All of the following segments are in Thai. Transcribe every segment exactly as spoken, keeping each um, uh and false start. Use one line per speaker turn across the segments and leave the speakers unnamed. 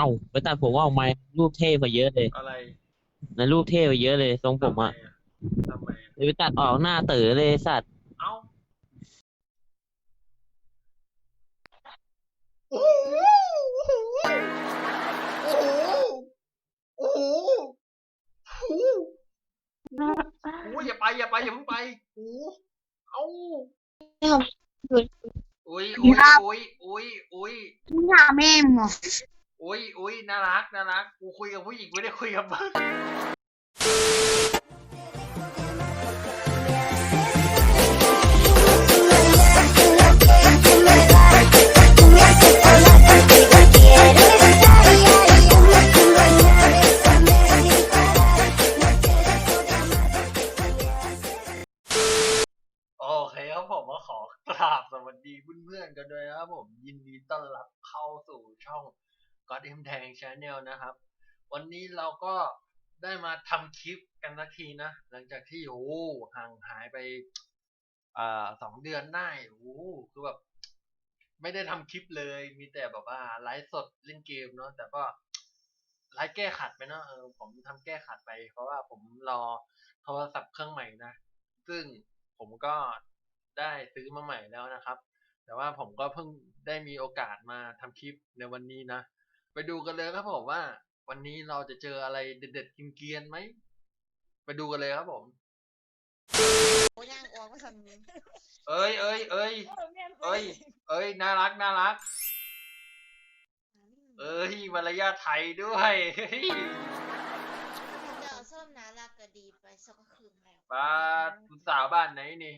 าไปตัดผมว่าออกมารูปเท่กว่าเยอะเลย
อะไร
ในรูปเท่กว่าเยอะเลยทรงผม
ทำไม
อ่ะ
อ่ะทำไมอ่ะ
ไปตัดออกหน้าเต๋อเลยสัตว์
เอ้าโอ้โหโอ้โหโอ้โหโอ้โหโอ้โหอย่าไปอย่าไปอย่าเพิ่งไปโอ้โหเอ้าอุ้ยอุ้ยอุ้ยอุ้ยอุ้ย
你俩妹妹，
อุ้ยอุ้ยน่ารักน่ารักกูคุยกับผู้หญิงไม่ได้คุยกับมึงโอเคครับผมก็ขอกราบสวัสดีเพื่อนๆกันด้วยนะครับผมยินดีต้อนรับเข้าสู่ช่อง God M Tang Channel นะครับวันนี้เราก็ได้มาทำคลิปกันสักทีนะหลังจากที่โอ้ห่างหายไปอ่าสองเดือนได้โอ้คือแบบไม่ได้ทำคลิปเลยมีแต่แบบว่าไลฟ์สดเล่นเกมเนาะแต่ก็ไลฟ์แก้ขัดไปเนาะเออผมทำแก้ขัดไปเพราะว่าผมรอโทรศัพท์เครื่องใหม่นะซึ่งผมก็ได้ซื้อมาใหม่แล้วนะครับแต่ว่าผมก็เพิ่งได้มีโอกาสมาทำคลิปในวันนี้นะไปดูกันเลยครับผมว่าวันนี้เราจะเจออะไรเด็ดๆกินเกรียนไหมไปดูกันเลยครับผม
我让我为什么？
เอ้ยเอ้ยเอ้ยเอ้ยเอ้ยน่ารักน่ารักเอ้ยมารยาทไทยด้วยเฮ้ย
เดี๋ยวส้มนะรักก็ดีไปสักคืนแล้ว
บ้านคุณสาวบ้านไหนนี่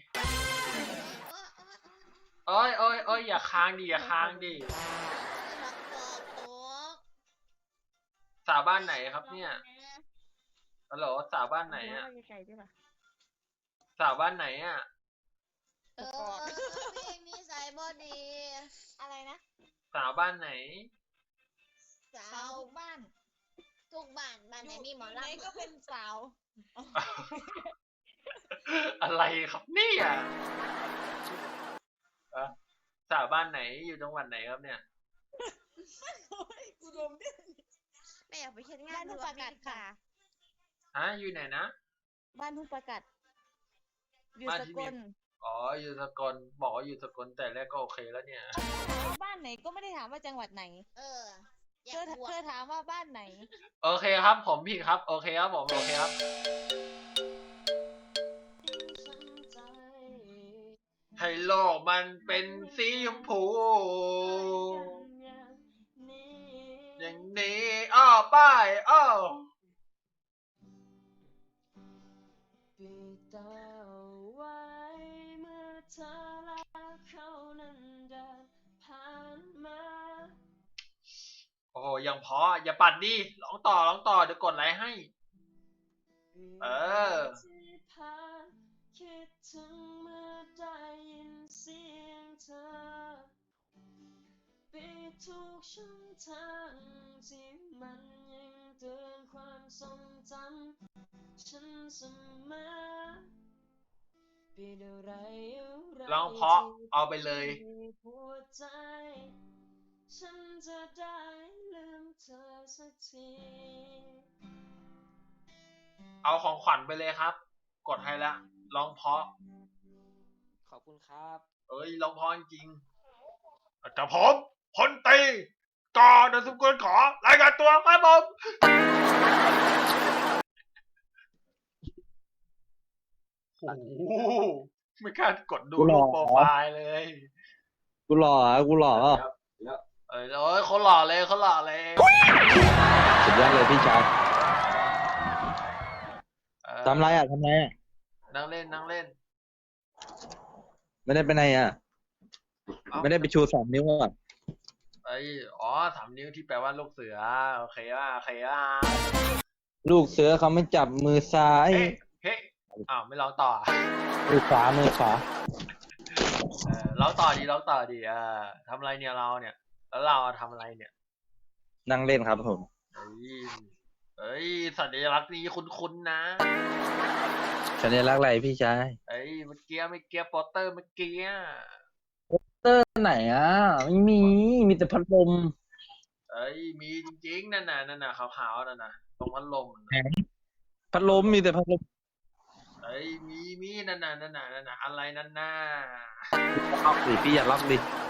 เอ้ยเอ้ยเอ้ยอย่าค้างดิอย่าค้างดิ
รักตัวโต๊ะ
สาวบ้านไหนครับเนี่ยฮัลโหลสาวบ้านไหนอ่ะสาวบ้านไหนอ่ะ
เออเพลงนี้ใส่บอดีอะไรนะ
สาวบ้านไหน
สาวบ้านทุกบ้านบ้านไหนมีหมอลำก็เป็นสาว
อะไรครับเนี่ยอะสาวบ้านไหนอยู่จังหวัดไหนครับเนี่ย
กูดมดิไม่อยากไปเช็ดงานทุกประกาศค่ะ
ฮะอยู่ไหนนะ
บ้านทุกประกาศอยู่
บ้าน
ส
ที่
ก
มี
ล
อ๋ออยู่สกลบอกว่าอยู่สกลแต่แรกก็โอเคแล้วเนี่ย
บ้านไหนก็ไม่ได้ถามว่าจังหวัดไหน
เออ
เธอเธอถามว่าบ้านไหน
โอเคครับผมผิดครับโอเคครับผมโอเคครับให้โลกมันเป็นสีชมพูอย่างนี้อ้อป้ายอ้อปิดเอาไว้เมื่อเธอและเขานั้นเดินผ่านมาโอ้โหยังพออย่าปัดดิร้องต่อร้องต่อเดี๋ยวกดไลค์ให้เออคิดถึงเมื่อได้ยินเสียงเธอปิดทุกช่องทางที่มันยังเตือนความทรงจำฉันเสมอปิดอะไรอะไรร้องเพราะเอาไปเลยหัวใจฉันจะได้ลืมเธอสักทีเอาของขวัญไปเลยครับกดให้ละร้องเพราะ
ขอบคุณครับ
เอ้ยร้องเพราะจริงแต่ผมพลตรีก่อนสมควรขอรายงานตัวครับผมโอ้โหไม่กล้ากดดูรูปโปรไฟล์เลย
กูหล่ออ่ะกูหล่ออ่ะ
เอ้ยโอ้ยเขาหล่อเลยเขาหล่อเลย
สุดยอดเลยพี่ชาย
เออ
ทำไรอ่ะทำไรอ่ะ
นั่งเล่นนั่งเล่น
ไม่ได้ไปไหนอ่ะ
เอ้า
ไม่ได้ไปชูสามนิ้วอ่ะ
ไอ้อ๋อสามนิ้วที่แปลว่าลูกเสือโอเคว่าโอเคว่า
ลูกเสือเขาไม่จับมือซ้าย
เฮ้เฮ้อ้าวไม่ร้องต่อ
มือขวามือขวา
เออร้องต่อดีร้องต่อดีเออทำอะไรเนี่ยเราเนี่ย แล้วเราทำอะไรเนี่ย
นั่งเล่นครับผม
เอ้ยเอ้ยสัญลักษณ์นี้คุ้นๆนะ
สัญลักษณ์อะไรพี่ชาย
เอ้ยเมื่อกี้เมื่อกี้โปสเตอร์เมื่อกี้อะ
เตอร์ไหนอ่ะไม่มีมีแต่พัดลม
เอ้อ้ยมีจริงๆนั่นน่ะนั่นน่ะขาวๆนั่นน่ะตรงพัดลมน่ะ
พัดลมมีแต่พัดลม
เอ้ยมีมีนั่นน่ะนั่นน่ะนั่นน่ะอะไรนั่นน่ะ
ล็อกดิพี่อย่าล็อกดิ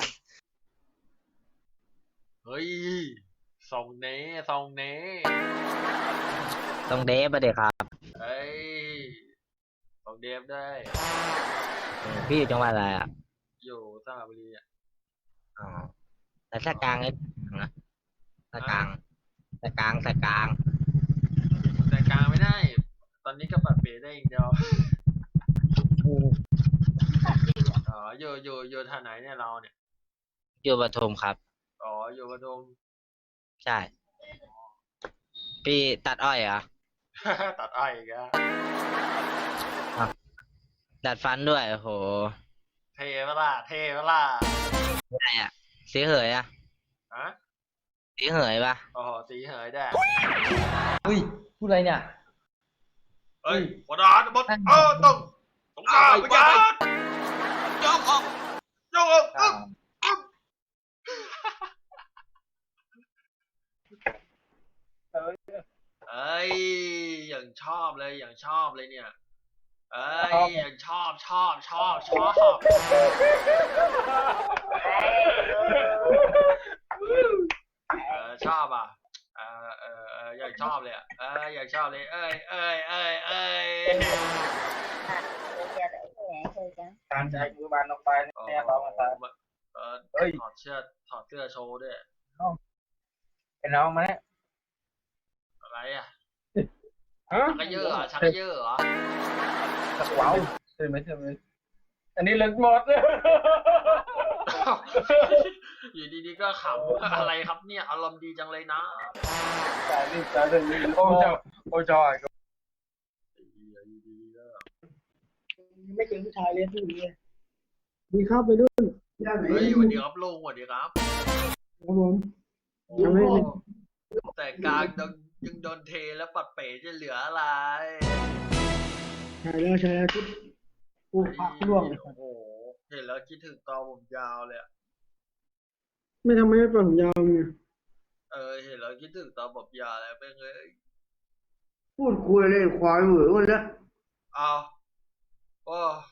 เฮ้ยส่งเน่ส่งเน่
ต้องเดฟไปเด็กครับ
เอ้ยส่งเดฟได้
พี่อยู่จังหวัดอะไรอ่ะ
อยู่สระบุรีอ่ะ
อ๋อแต่สกลางไอ้นะสกลางสกลางสกลาง
แต่กลางไม่ได้ ตอนนี้ก็ปัดเปได้อย่างเดียวอ๋ออยู่อยู่อยู่ท่าไหนเนี่ยเราเนี่ย
อยู่ปทุมครับ
อ๋ออยู่ปทุม
ใช่ พี่ตัดอ้อยเหรอ
ตัดอ้อยอีกอะ
ดัดฟันด้วยโอ้โห
เทเวล่ะเทเวล่ะ
อะไรอ่ะสีเหยอ่ะ
ฮะ
สีเหยปะ
โอ้โหสีเหยได้
เฮ้ยพูดอะไรเนี่ย
เฮ้ยกดานบดเออต้องต้องการไปยันยกออกยกออกอึ๊บอึ๊บเอ้ยอย่างชอบเลยอย่างชอบเลยเนี่ยเอ้ยอย่างชอบชอบชอบชอบเออชอบอ่ะเออเออเอออย่างชอบเลยอ่ะเอออย่างชอบเลยเอ้ยเอ้ยเอ้ยเอ้ย
การใจมือบานออกไป
อ๋อ
เนี่ยเรามาตาย
เออ
เฮ้ย
ถอดเสื้อถอดเสื้อโชว์ด้วย
เป็นน้องมาเนี่ย
อะไรอ่ะ
ฮะ
ชักกระเยอะเหรอชักกระเยอะเหรอ
สักว้าวใช่ไหมใช่ไหมอันนี้เล่นหมด
อยู่ดีๆก็ขำอะไรครับเนี่ยอารมณ์ดีจังเลยนะ
จ่ายรีบจ่ายเลยโอ้เจ้าโอ้จอย
อยู่ดีๆก็
ไม่เก่งผู้ชายเรียนผู้หญิงเลยดีครับไปรุ่นย่านไหน
เฮ้ยสวัสดีครับลุงสวัสดีครับ
ครับผม
โอ้
ยังไม่เลย
แต่กลางยังยังโดนเทแล้วปัดเป๋จะเหลืออะไร
ใช่แล้วใช่แล้วชุดผู้พักร่วงเลย
โอ้โหเห็นแล้วคิดถึงตอนผมยาวเลยอะ
ไม่ทำไม่ปล่อยผมยาวไง
เออเห็นแล้วคิดถึงตอนผมยาวเลยเป็นเลย
พูดคุยเลยควายเหวอหมดแล้ว
เอาโอ้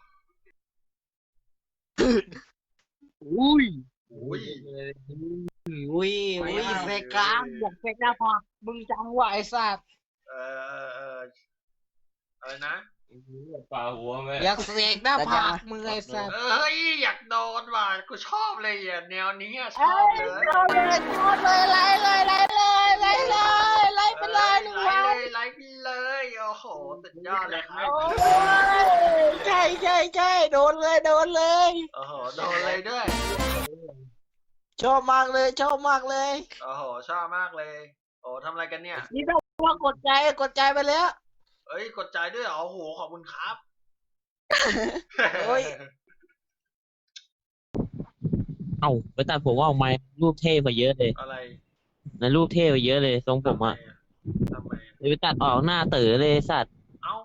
อุ้ย
อุ้ย
อุ้ยอุ้ยเซกลางอยากเซกหน้าผากมึงจังวะไอ้สัตว์
เออเออเอออะไรนะ
ปลาหัวไหม
อยากเสกหน้าผากมึงไอ้สัตว์
เอ้ยอยากโดนว่ะกูชอบเลยอ่ะแนวนี้อะชอบเลย
เอาเลยเอาเลยไล่เลยไล่เลยไล่เลยไล่ไปเลยหนึ่ง
ไล
วัน
ฟ์เลยไลฟ์ไปเลยโอ้โหสุดยอดเลยครับ
โอ้ยใช่ใช่ใช่โดนเลยโดนเลย
โอ้โหโดนเลยด้วย
ชอบมากเลยชอบมากเลย
โอ้โหชอบมากเลยโอ้ทำอะไรกันเนี่ย
นี่ต้องว่ากดใจกดใจไปแล้ว
เอ้ยกดใจด้วยเหรอโอ้โหขอบคุณครับ
โอ้ย
เอ้าไปตัดผมว่าออกมารูปเท่กว่าเยอะเลย
อะไร
นะรูปเท่กว่าเยอะเลยทรงผมอ่ะ
ทำไมอะ
เลยไปตัดออกหน้าเต๋อเลยสัตว์
เอ้า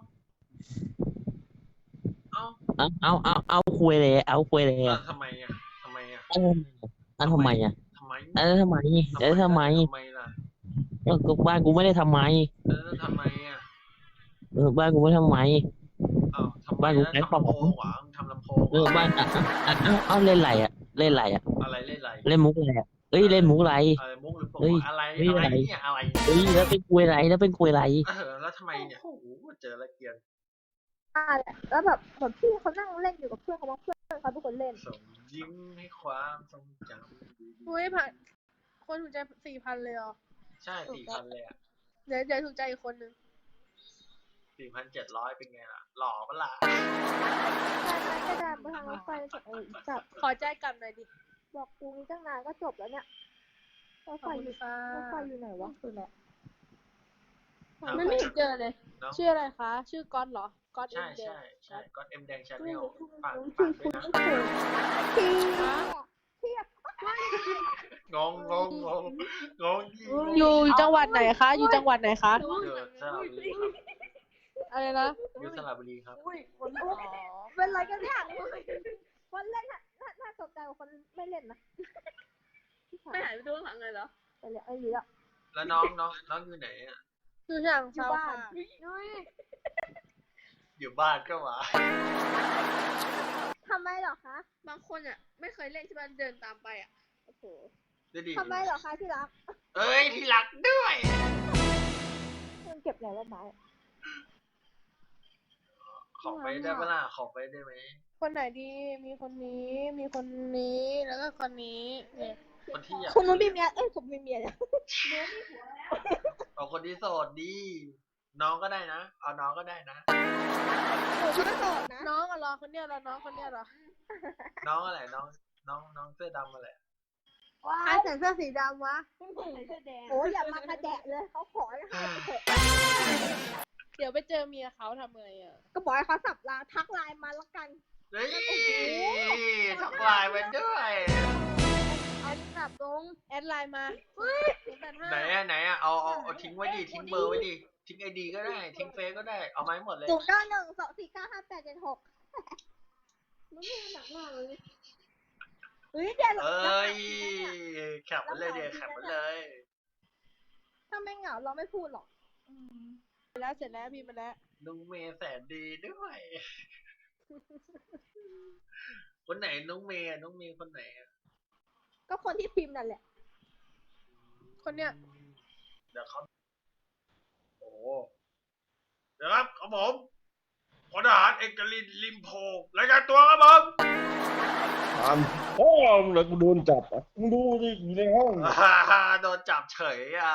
เอ้า
เอาเอาเอาเอาคุยเลยเอาคุยเลย
เออ
อ่ะ
ทำไมอ่ะทำไมอ่ะ
เอาเอาทำไมอ่ะ
ทำไม
เออทำไมเออทำไม
ทำไมล่ะ
เออก็บ้านกูไม่ได้ทำไม
เออทำไมอ่ะ
เออบ้านกูไม่ทำไม
เอ้าทำไม
บ้านกู
แล้ว
ใช้
ทำ
ของ
ลำโพงหวังทำลำโพง
เออบ้านอ่ะอ่ะอ่ะเอาเอาเล่นไรอ่ะเล่นไรอ่ะ
อะไรเล่นอะไร
เล่นมุกอะไรอ่ะเอ้ยเล่นมุกอะไร
อะไรมุกหรือโปก
เฮ้ย
อะไร
เฮ้ย
อะไร
อะไร
เนี่ยอะไร
เอ้ยแล้วเป็นคุยอะไรแล้วเป็นคุยอะไร
เออแล้วทำไมเนี่ยโอ้โหเจอละเกียน
อ่าแล้วแบบแบบพี่เขานั่งเล่นอยู่กับเพื่อนเขาบ้างเพื่อนเขาเป็นคนเล่น
ส่งยิ้มให้ความทรงจำดี
อุ้ยผ่านคนถูกใจสี่พันเลยเหรอ
ๆใช่สี่พันเลยอ่ะ
เดี๋ยวเดี๋ยวถูกใจอีกคนนึง
สี่พันเจ็ดร้อยเป็นไงล่ะ หล่อปะล่ะ
ใช่ไหมก็เดินไปทางรถไฟเออจับ
ขอใจกลับหน่อยดิ
บอกกูมีตั้งนานก็จบแล้วเนี่ยรถ
ขอบ
ไฟอ
คุ
ยู่
ณค่ะ
รถไฟอยู่ไหนวะคือแหละ
มันไม่เห็นเจอเลย
เนาะ
ชื่ออะไรคะ ชื่อก๊อตเหรอ ก๊อตเอ็
ใช่
มเด
ใช่ใช่ก็เอ็มแดงชาแน
ไม่
ล
รู้
ฝาก
ชื่
ฝา
อก
ด้วย
คุณ
นะ
ไม่เคยพี่พี่
งงงงงงงงยิ่งงง
อยู่จังหวัดไหนคะ อยู่จังหวัดไหนคะ
อยู่สระบุรีครับ
อะไรนะ
อยู่สระบุรีครับ
เป็นไรกันเนี่ยคนเล่นน่ะน่าน่าตกใจกว่าคนไม่เล่นนะ
ไม่หายไปดูข้างหลังเลยเหรอไปแล้วไอ้ลีละ
แล้วน้องน้องน้องอยู่ไหนอ่ะ
อยู่ช่าง
อยู่
เซา
บ้า
ค่ะ
นนุ้ย
อยู่บ้านก็มา
ทำไมเหรอคะ
บางคนอ่ะไม่เคยเล่นใช่ไหมเดินตามไปอ่ะโอ้โห
ดูดิ
ทำไมเหรอคะที่รัก
เอ้ยที่รักด้วย
มันเก็บไหนว่าไม้
ขอไปได้ปะล่ะขอไปได้ไหม
คนไหนดีมีคนนี้มีคนนี้แล้วก็คนนี้เนี่ย
คนที่อยาก
คุณนุ้ยมีเมียเอ้ยผมมีเมียเนี่ย
เอาคนที่โสดดีน้องก็ได้นะเอาน้องก็ได้นะ
หนูก็โสดนะ
น้องอะรอคนเนี้ยเหรอน้องคนเนี้ยเหรอ
น้องอะไรน้องน้องน้องเสื้อดำอะไร
ว้า
ใคร
ย
ใส่เสื้อสีดำวะ
โอ้ยอย่ามากระแดะเลยเขาขอให้ให้ไปเถอะ
เดี๋ยวไปเจอเมียเขาทำไงอ่ะ
ก็บอกให้เขาสับลาทักไลน์มาแล้วกัน
เฮ้ยทักไลน์มาด้วย
แอดสับตรงแอดไลน์มาศูนย์แปดห้า
ไหนอะไหนอะเอาเอาเอาทิ้งไว้ดิทิ้งเบอร์ไว้ดิทิ้งไอดีก็ได้ทิ้งเฟซก็ได้เอาไมาให้หมดเลย
ศูนย์เก้าหนึ่งสองสี่เก้าห้าแปดเจ็ดหกมันไม่หนักมากเลยเฮ้ยเดี๋ยว
เอ้ยแคปมันเลยเดี๋ยวแคปมันเลย
ถ้าไม่เหงาเราไม่พูดหรอก
ไปแล้วเสร็จแล้วพี่มาแล้ว
นุ้งเมย์แสนดีด้วย คนไหนน้องเมย์อะน้องเมย์คนไหนอะ
ก็คนที่พิมพ์นั่นแหละ
คนเนี้ย
เดี๋ยวเขาโอ้เดี๋ยวครับครับผมพลทหารเอกลินลิมโพรายงานตัวครับผม
ถามพ่อมึงเลยกูโดนจับอ่ะมึงดูดิอยู่ในห้อง
ฮ่าฮ่าโดนจับเฉยอ่ะ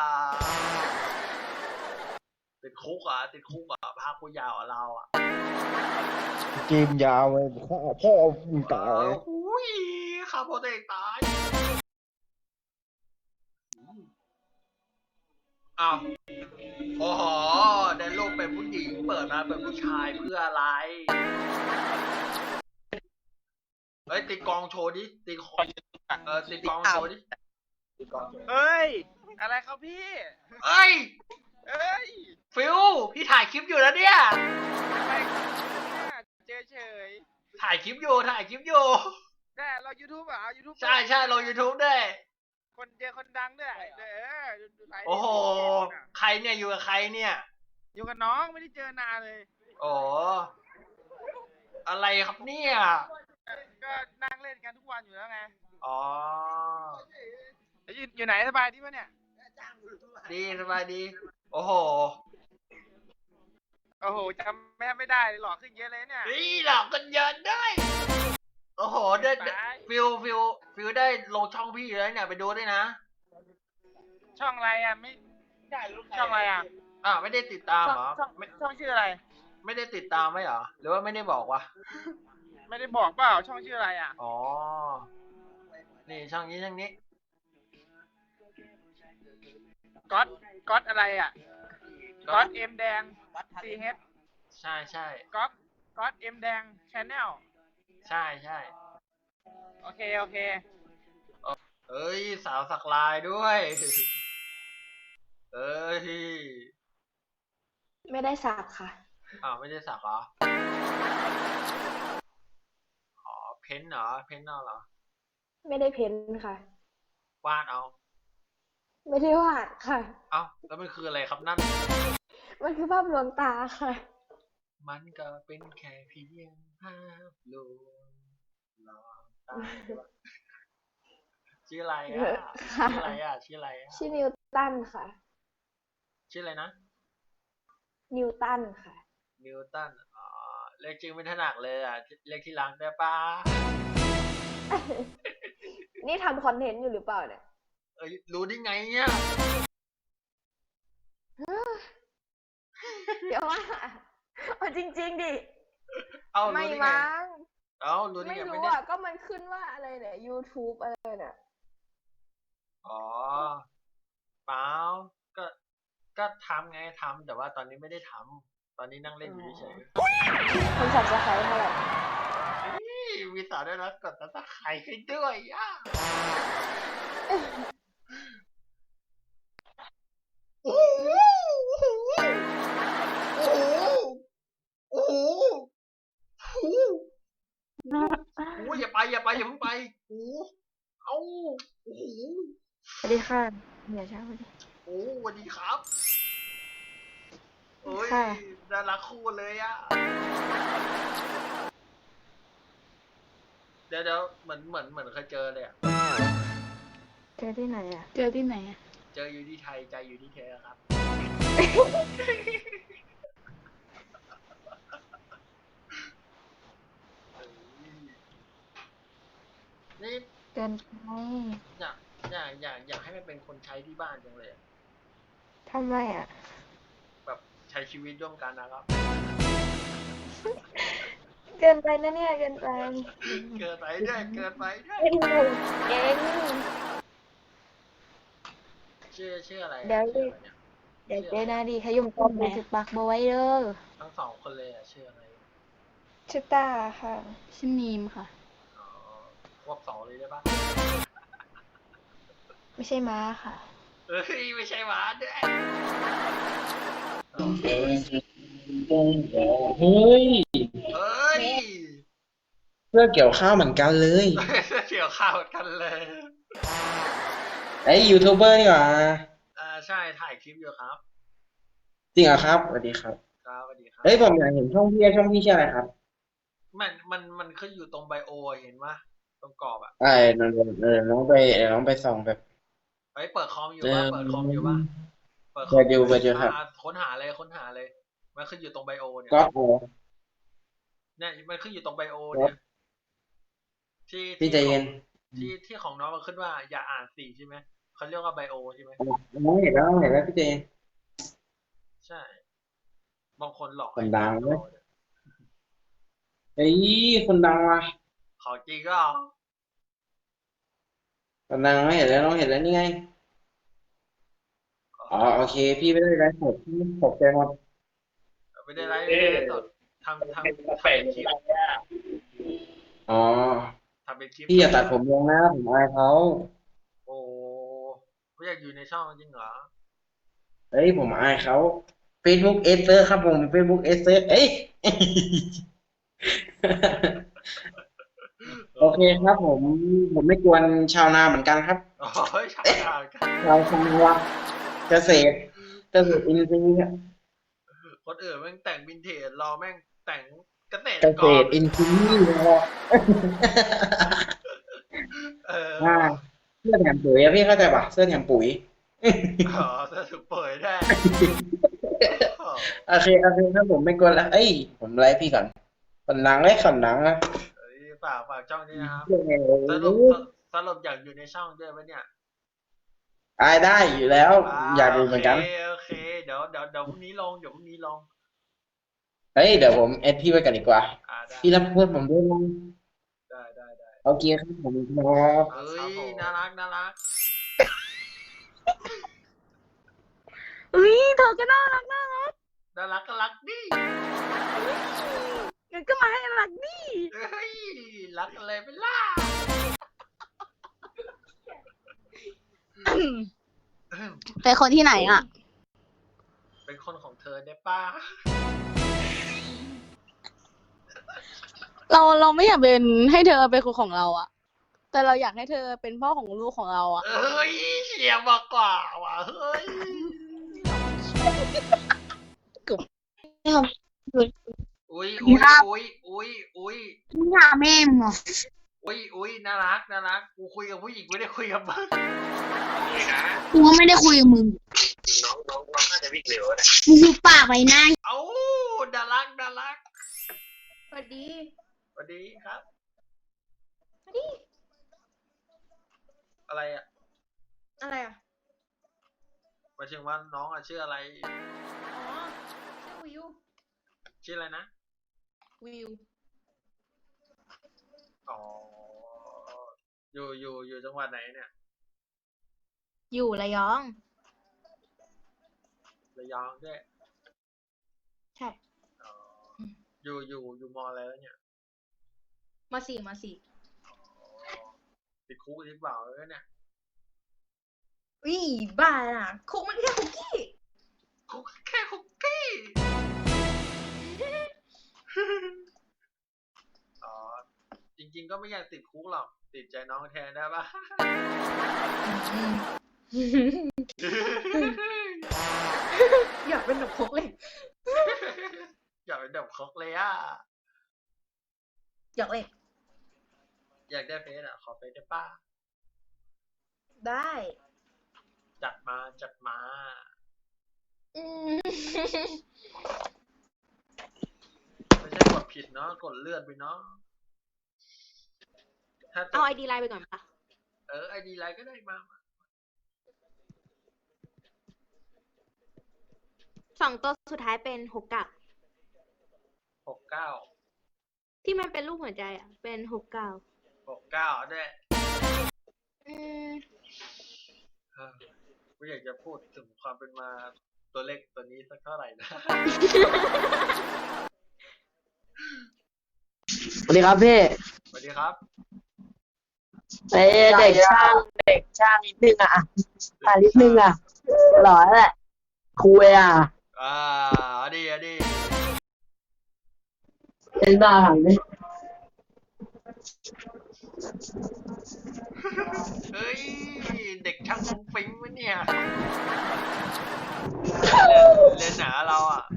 ติดคุกอ่ะติดคุกอ่ะภาคกูยาวอ่ะเราอ่ะ
เกมยาวเลยพ่อพ่อมึงตาย
อุ้ยข้าพ่อตัวเองตายอ้าวโอ้โหได้ลูกเป็นผู้หญิงเปิดมาเป็นผู้ชายเพื่ออะไรเฮ้ยตีกลองโชว์ดิตีกลองเออตีกลองโชว์ดิ
เฮ้ย อะไรครับพี่
เอ้ย
เอ้ย
ฟิวพี่ถ่ายคลิปอยู่แล้วเนี่ย
อะไรครับเนี่ยเจอเฉย
ถ่ายคลิปอยู่ถ่ายคลิปอยู่
แต่เรา YouTube เหรอ YouTube
ใช่ใช่ลง YouTube ด้วย
คนเจอคนดังด้วยเออดูไลฟ์
โอ้โหใครเนี่ยอยู่กับใครเนี่ย
อยู่กับน้องไม่ได้เจอนานเลย
โอ้อะไรครับเนี่ย
ก็นั่งเล่นกันทุกวันอยู่แล้วไง
อ๋อ
แล้วอยู่อยู่ไหนสบายดีปะเนี่ย
ดีสบายดี โอ้โห
โอ้โหจำแม่ไม่ได้เลยหล่อขึ้นเยอะเลยเนี่ย
นี่หลอกกันเยอะได้โอ้โหได้ได้ฟิวฟิวฟิวได้ลงช่องพี่แล้วเนี่ยไปดูด้วยนะ
ช่องอะไรอ่ะไม่ช่องอะไรอ่ะ
อ่าวไม่ได้ติดตาม
ช่อง
เหรอ
ช่อง
ไม่
ช่องชื่ออะไร
ไม่ได้ติดตามไหมเหรอหรือว่าไม่ได้บอกวะ
ไม่ได้บอกเปล่าช่องชื่ออะไรอ่ะ
อ๋อนี่ช่องนี้ช่องนี้
ก๊อตก๊อตอะไรอ่ะก๊อตเอ็มแดงซีเฮด
ใช่ใช่
ก๊อตก๊อตเอ็มแดงชแนล
ใช่ใช่
โอเคโอเค
เอ้ยสาวสักลายด้วยเอ้ย
ไม่ได้สักค่ะ
อ้าวไม่ได้สักเหรออ๋อเพ้นท์เหรอเพ้นท์เอาเหรอ
ไม่ได้เพ้นค่ะ
วาดเอา
ไม่ได้วาดค่ะ
เอ้าแล้วมันคืออะไรครับนั่น
มันคือภาพลวงตาค่ะ
มันก็เป็นแค่เพียงภาพลวงลองตาชื่ออะไรอ่ะ
ค่ะ
ชื่ออะไรอ่ะชื่ออะไรอ่ะ
ชื่อนิวตันค่ะ
ชื่ออะไรนะ
นิวตันค่ะ
นิวตันอ๋อเรียกจริงไม่ถนัดเลยอ่ะเรียกที่หลังได้ปะ
นี่ทำคอนเทนต์อยู่หรือเปล่าเนี่ย
เอ้ยรู้ได้ไงเนี่ย
เดี๋ยวว่าเอาจริงๆดิ
เอ้า
ไม่
รู้ได้ไง
มั้ง
เอ้ารู้ได้
ไม่
ไงไม่
รู้
ได้
อ่ะ ก็มันขึ้นว่าอะไรเนี่ย YouTube อะไรเนี่ย
อ๋อเปล่าก็ก็ทำไงทำแต่ว่าตอนนี้ไม่ได้ทำตอนนี้นั่งเล่นอยู่เฉย
คนสับสไครต์เท่าไหร่
ๆนี่มีสาวด้วยนะกดตัดไข่ให้ด้วยย่าโอ้โหโอ้โหโอ้โหโอ้โหโอ้โหอย่าไปอย่าไปอย่าเพิ่งไปโอ้โหเอ้าโอ้โห
สวัสดีค่ะอย่าช้าเลย
โอ้สวัสดีครับโอ้ย
ค่ะ
น่ารักคู่เลยอะเดี๋ยวเดี๋ยวเหมือนเหมือนเหมือนเคยเจอเลยอะ
เจอที่ไหนอ่ะ
เจอที่ไหนอะ
เจออยู่ที่ไทยใจอยู่ที่เธอครับ นี่
เกินไป
อยากอยากอยากอยากให้มันเป็นคนใช้ที่บ้านจังเลยอะ
ทำไมอ่ะ
แบบใช้ชีวิตร่วมกันนะครับ
เกินไปนะเนี่ยเกินไป
เกินไปด้วยเกินไปด้วย
เป็นหนูเก่ง
ชื่อชื่ออะไรอะ
เดี๋ยว
ชื่ออะไรเนี่ย
เดี๋ยวเจนาดีขยุ่มต้มดูสิปากบไว้เด้อ
ทั้งสองคนเลยอะชื่ออะไร
ชื่อตาค่ะ
ชื่อนีมค่ะ
อ๋อควบสองเลยได้ปะ
ไม่ใช่ม้าค่ะ
เอ้ยไม่ใช่หวานด้วย
เฮ้ย
เอ้ย
เรื่องเกี่ยวข้าวเหมือนกันเลย
เกี่ยวข้าวกันเลย
ไอ้ยูทูบเบอร์นี่หว่า
อ่าใช่ถ่ายคลิปอยู่ครับ
จริงเหรอครับสวัสดีครับ
ครับสวัสดีครับ
เฮ้ยผมอยากเห็นช่องพี่ช่องพี่ชื่ออะไรครับ
มันมันมันขึ้นอยู่ตรงไบโออะเห็นปะตรงกรอบอ่ะ
ไอ้เดี๋ยวเดี๋ยวเดี๋ยวน้องไปเดี๋ยวน้องไปส่องแบบ
เฮ้ยเปิดคอมอยู่ปะเปิดคอมอยู่ปะเปิดคอ
เปิ
ม
ดอยู่เปิดอยู่ครับ
อ่าค้นหาเลยค้นหาเลย มันขึ้นอยู่ตรงไบโอเนี่ย
ก็โอ้
เนี่ยมันขึ้นอยู่ตรงไบโอเนี่ย ที่
พี่ใจเย็น
ที่ที่ของน้องมันขึ้นว่าอย่าอ่านสีใช่ไหมเขาเรียกว่าไบโอใช่ไหม
น้องเห็นแล้วน้องเห็นแล้วพี่เจน
ใช่ บางคนหลอก
คนดัง
ให้
เว้ย
ไบโอเนี่ย
เฮ้ยคนดังว่ะ
ของจริงก็
คนดังน้องเห็นแล้วน้องเห็นแล้วนี่ไงอ๋อโอเค พี่ไม่ได้ไลฟ์สดพี่ตกใจหมด
ไม่ได้ไลฟ์ไม่ได้สดทำทำทำเป็นคลิป
อ๋อ
ทำเป็นคลิป
พี่อย่าตัดผมลงนะผมอายเขา
โอ้ไม่อยากอยู่ในช่องจริงเหรอ
เฮ้ยผมอายเขา Facebook เอเซอร์ครับผม Facebook เอเซอร์เอ้ย โอเคครับผมผมไม่กวนชาวนาเหมือนกันครับ
โอ้ยชาวนากัน
ชาวชาวาเกษตรเกษตรอินทรีย์ครับ
คนอื่นแม่งแต่งวินเทจรอแม่งแต่งเกษตร
เก
ก
ษ
ร
ตรอินทรีย์นะครับ
เออ
อ่าเสื้อแถมปุ๋ยอะพี่เข้าใจปะเสื้อแถมปุ๋ย
อ๋อจะถูกเปิดได้อ๋อ
โอเคโอเคครับผมไม่กวนละเอ้ยผมไลฟ์พี่ก่อนคนดังไอ้คนดังนะ
เอ้ยฝากฝากช่องนี้นะครับ
เรื่องไง
สรุปสรุปอยากอยู่ในช่องด้วยปะเนี่ย
อายได้อยู่แล้ว อยากดูเหมือนกัน
โอเคโอเคเดี๋ยวเดี๋ยวเดี๋ยวพรุ่งนี้ลงเดี๋ยวพรุ่งนี้ลง
เฮ้ยเดี๋ยวผมเอดพี่ไว้กันดีกว่า
อ่าได้
พี่รับเพื่อนผมด้วยนะ
ได้ได้ได้
โอเคครับผมครับ
เอ้ยน่ารักน่ารัก
อุ้ยเธอก็น่ารักน่ารัก
น่ารักก็รักดิ
งั้นก็มาให้รักดิ
เฮ้ยรักอะไรไปล่ะ
เป็นคนที่ไหนอ่ะ
เป็นคนของเธอได้ป้า
เราเราไม่อยากเป็นให้เธอเป็นคนของเราอ่ะ แต่เราอยากให้เธอเป็นพ่อของลูกของเราอ่ะ
เอ้ยเสียงมากกว่าว่ะเฮ้ย อุ้ยอุ้ยอุ้ยอุ้ยอุ้ย
มึงหาแม่มึงเหรอ
อุ้ยอุ้ยน่ารักน่ารักกูคุยกับผู้หญิงไม่ได้คุยกับมึง
กูก็ไม่ได้คุยกับมึง น้องน้องน้องน่าจะวิ่งเร็วนะมึงดูปากไว้หน้า
เอ้าน่ารักน่ารัก
สวัสดี
สวัสดีครับ
สวัสดี
อะไรอ่ะ
อะไรอ่ะ
หมายถึงว่าน้องอ่ะชื่ออะไร
อ๋อ ชื่อวิว
ชื่ออะไรนะ
วิว
อ๋ออยู่อยู่อยู่จังหวัดไหนเนี่ย
อยู่ระยอง
ระยองด้วย
ใช่
อ๋ออยู่อยู่อยู่มออะไรแล้วเนี่ย
มาสี่มาสี่
ติดคุกหรือเปล่าแล้วเนี่ย
วิบ้าน่ะคุกมันแค่คุกกี้
คุกแค่คุกกี้ อ๋อ จริงๆก็ไม่อยากติดคุกหรอก ติดใจน้องแทนได้ปะ
อยากเป็นหนุ่มพกเลย
อยากเป็นแบบคกเลยอ่ะ
อยากเลย
อยากได้เฟซอ่ะ ขอเฟซได้ป้า
ได้
จัดมาจัดมา
อืม
ไม่ใช่กดผิดเนาะกดเลื่อนไปเนาะถ้าจะ
เอาไอดีไลน์ไปก่อนปะ
เออไอดีไลน์ก็ได้มา
สองตัวสุดท้ายเป็นหกเก้า
หกเก้า
ที่มันเป็นรูปหัวใจอ่ะ เป็นหกเก้า
หกเก้าด้วย
อืม
เออกูอยากจะพูดถึงความเป็นมาตัวเลขตัวนี้สักเท่าไหร่นะ
สวัสดีครับพี่
สวัสดีครับ
เอ้ยเด็กช่างเด็กช่างนิดนึงอ่ะอ่ะนิดนึงอ่ะหล่อแหละคุยอ่ะ
อ่าเอาดีเอาดี
เป็นบ้าหังนี่
เฮ้ย เด็กช่างฟุ้งฟิ้งวะเนี่ยเรียนหนาเราอ่ะ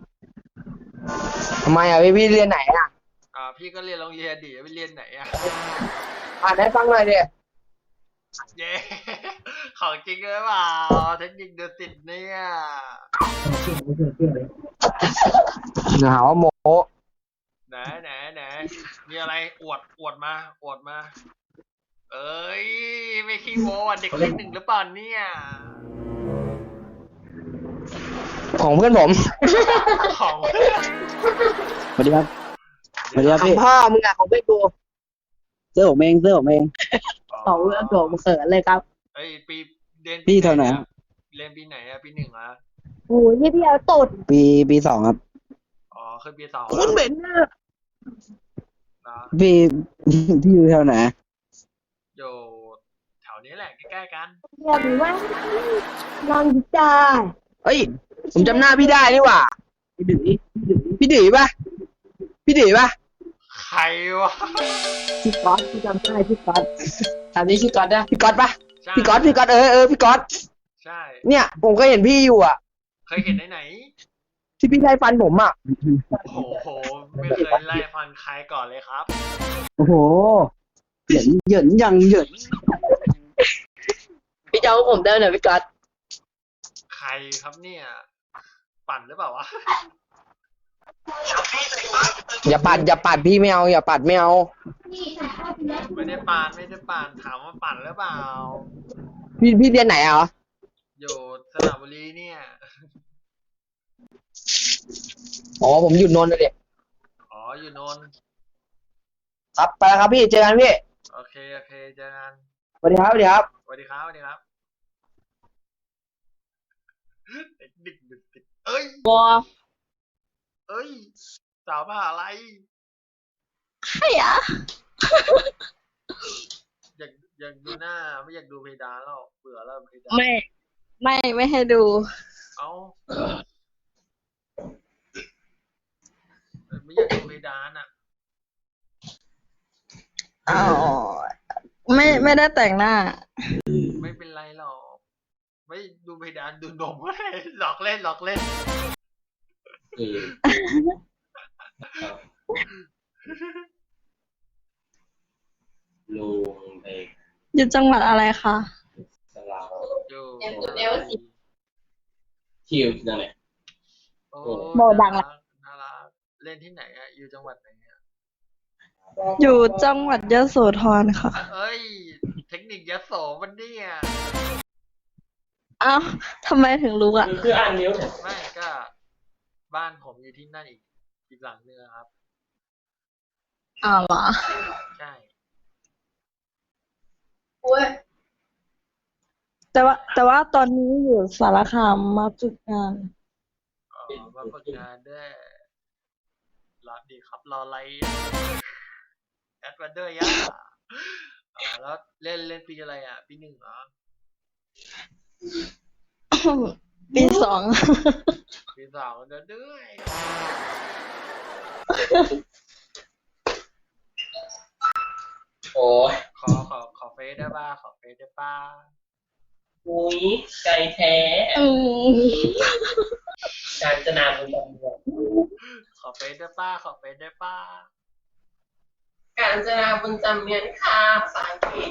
ทำไมอ่ะพี่พี่เรียนไหนอ่ะ
อ่าพี่ก็เรียนโรงเรียนดิไปเรียนไหนอ่ะ
อ่านให้ฟังหน่อยดิ
เย้ ของจริงหรือเปล่าเทคนิคดูสิตเนี่ย
หาว่าโม
ไหนไหนไหนมีอะไรอวดอวดมาอวดมา เอ้ยไม่ขี้โม้อ่ะเด็กเลขหนึ่งหรือเปล่าเนี่ย
ของเพื่อนผม
ของ
สวัสดีครับสวัสดีครับพี่พ่อมึงอ่ะของเพื่อนกูเสื้อผมเองเสื้อผมเองของเพื่อนผมเขินเลยครับ
เอ้ยปีเรียน
พี่เท่าไหร่
อะเรียนปีไหนอะปีหนึ่งเหรอ
โอ้ยพี่เอาตด
ปีปีสองครับ
อ๋อขึ้นปีสอง
คุณเหม็นนะ
นะ
พี่พี่อยู่แถวไหน
อยู่แถวนี้แหละใกล้ๆกัน
เดี๋ยวว่าลองจา
เอ้ยผมจำหน้าพี่ได้นี่หว่าพี่ดื้อพี่ดื้อป่ะพี่ดื้อป่ะ
ใครวะ
พี่ก๊อตพี่จำได้พี่ก๊อตถามนี้พี่ก๊อตนะพี่ก๊อตป่ะ
ใช่
พี่ก๊อตพี่ก๊อตเออเออพี่ก๊อต
ใช่
เนี่ยผมก็เห็นพี่อยู่อ่ะ
เคยเห็นไหนไหน
ที่พี่ไล่ฟันผมอ่ะ
โอ้โหไม่เคยไล่ฟันใครก่อนเลยครับ
โอ้โหเหยินเหยินยังเหยินพี่เจ้าผมเดินหน่อยพี่ก๊อต
ใครครับเนี่ย ปั่นหรือเปล่าวะ
อย่าปัดอย่าปัดพี่ไม่เอาอย่าปัดไม่เอา
ไม่ได้ปั่นไม่ได้ปั่นถามว่าปั่นหรือเปล่า
พี่พี่เรียนไหนอ่ะ
อยู่สระบุรีเนี่ย
อ๋อผมอยู่นนท์เลย
อ๋ออยู่นนท์
ครับไปแล้วครับพี่เจอกันพี่
โอเคโอเคเจอกัน
สวัสดีครับสวัสดีครับ
สวัสดีครับสวัสดีครับเด็กดึกดึกดึกเอ้ย
บอ
เอ้ยสาวมาอะไร
ใครอ่ะ
อยากอยากดูหน้าไม่อยากดูเพดานแล้วเบื่อแล้วเพดาน
ไม่ ไม่ไม่ให้ดู
เอ้าไม่อยากดูเพดานอ่ะ
อ๋อ ไม่ไม่ได้แต่งหน้า
ไม่เป็นไรหรอกไม่ดูเพดานดูนม หลอกเล่นหลอกเล่น
ลุงเอก
อยู่จังหวัดอะไรคะ
สลาว
อยู่
คิวนั่นแหละ
โอ้
โมดังละ
น่ารักเล่นที่ไหนอ่ะอยู่จังหวัดไหนอ่ะ
อยู่จังหวัดยโสธรค่ะ
เอ้ย เทคนิคยโสมันเนี่ย
อ้าวทำไมถึงรู้อ่ะ
คืออ่านนิ้ว
ไม่ก็บ้านผมอยู่ที่นั่นอีกอีกหลังนึงอะครับ
อ้าวเหรอ
ใช่
แต่ว่า แต่ว่าตอนนี้อยู่สารคามมาฝึกงาน
อ๋อมาฝึกงานด้วยรอดีครับรออะไรอ่ะแอดวันเดอร์ยะอ๋อแล้วเล่นเล่นปีอะไรอ่ะ ปีหนึ่งเหรอ
ปีสอง
ปีสองเดือนด้วย
โอ้ย
ขอขอขอเฟซได้ป่ะขอเฟซได้ป่ะ
อุ้ยใจแท้
อืม
การจนาบุญจำเมือง
ขอเฟซได้ป้าขอเฟซได้ป้า
การจนาบุญจำเมืองค่ะภาษาอังกฤษ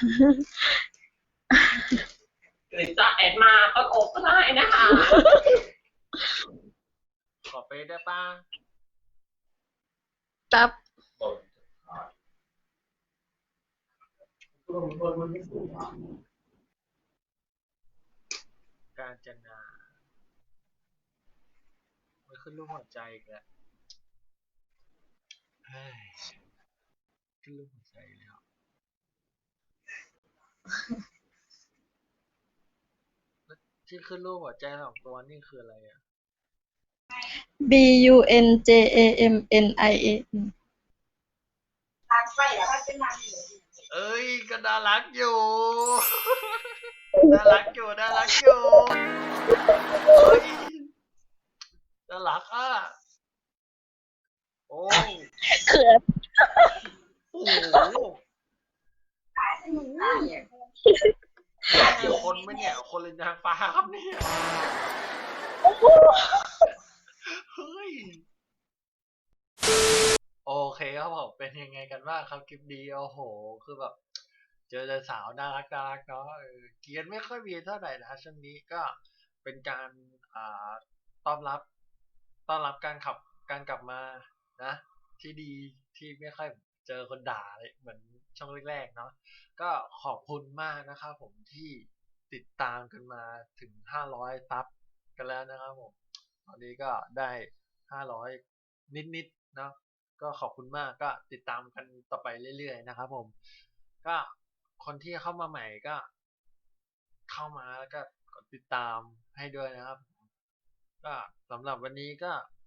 หรือจะแอดมาก็โกก็ได้นะคะ
ขอเฟซได้ป้า
ตับ
การจนาไม่ขึ้นรูปหัวใจอีกแล้วเฮ้ยขึ้นรูปหัวใจแล้วแล้วที่ขึ้นรูปหัวใจสองตัวนี่คืออะไรอ่ะ
B U N J A M N I A
เอ้ยก็น่ารักอยู่ น่ารักอยู่น่ารักอยู่เฮ้ยน่ารักอ่ะโอ้
เขิน
โอ้โหนี่คนไหมเนี่ยคนเลยนางฟ้าครับเนี่ยเฮ้ยโอเคครับผมเป็นยังไงกันบ้างครับคลิปนี้โอ้โหคือแบบเจอแต่สาวน่ารักน่ารักเนาะเออเกรียนไม่ค่อยมีเท่าไหร่นะช่วงนี้ก็เป็นการอ่าต้อนรับต้อนรับการขับการกลับมานะที่ดีที่ไม่ค่อยเจอคนด่าเลยเหมือนช่องแรกๆเนาะก็ขอบคุณมากนะครับผมที่ติดตามกันมาถึงห้าร้อยซับกันแล้วนะครับผมตอนนี้ก็ได้ห้าร้อยนิดๆเนาะก็ขอบคุณมากก็ติดตามกันต่อไปเรื่อยๆนะครับผมก็คนที่เข้ามาใหม่ก็เข้ามาแล้วก็กดติดตามให้ด้วยนะครับก็สำหรับวันนี้ก็